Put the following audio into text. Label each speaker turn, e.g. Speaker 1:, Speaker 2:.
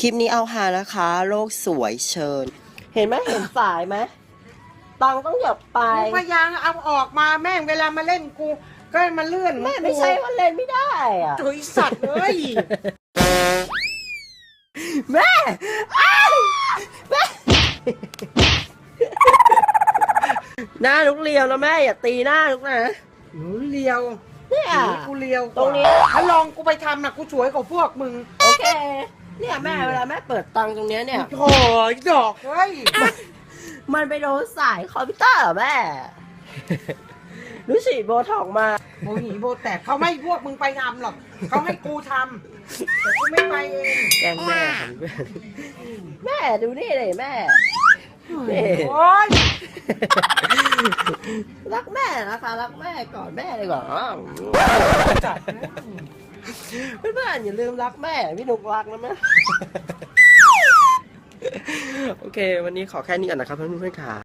Speaker 1: คลิปนี้เอาหานะคะโลกสวยเชิญ เห็นไหมเห็นสายไหมตังต้องหยับไป
Speaker 2: กูพยายามเอาออกมาแม่งเวลามาเล่นกูก็มาเลื่อน
Speaker 1: แม่ไม่ใช่ว่าเล่นไม่ได้อ่ะ
Speaker 2: ถุยสัตว์เลย
Speaker 1: แม่อ้าวแม่หน้าลูกเลียวนะแม่อย่าตีหน้าลูกนะ
Speaker 2: หนูเลียว
Speaker 1: เนี่ย
Speaker 2: หนูกูเลียวกว่า
Speaker 1: ตรงนี้
Speaker 2: ถ้าลองกูไปทำนะกูสวยกว่าพวกมึง
Speaker 1: โอเคเนี่ยแม่เวลาแม่เปิดตังค์ตรงเนี้ยเนี่ย
Speaker 2: โถ่ดอกเฮ้ย
Speaker 1: มันไปโดนสายคอมพิวเตอร์เหรอแม่รู้สิโบท็อกมา
Speaker 2: โมหีโบแตกเขาไม่พวกมึงไปทำหรอกเขาให้กูทำแต่กูไม่ไปเอง
Speaker 1: แกล้งแม่ของแม่ดูนี่เลยแม่นี่
Speaker 2: โอ๊ย
Speaker 1: รักแม่นะคะรักแม่ก่อนแม่เลยก่อน
Speaker 2: จัดนะ
Speaker 1: เพื่อนๆอย่าลืมรักแม่พี่นุกรักนะแม่โอเควันนี้ขอแค่นี้ก่อนนะครับเพื่อนๆค่ะ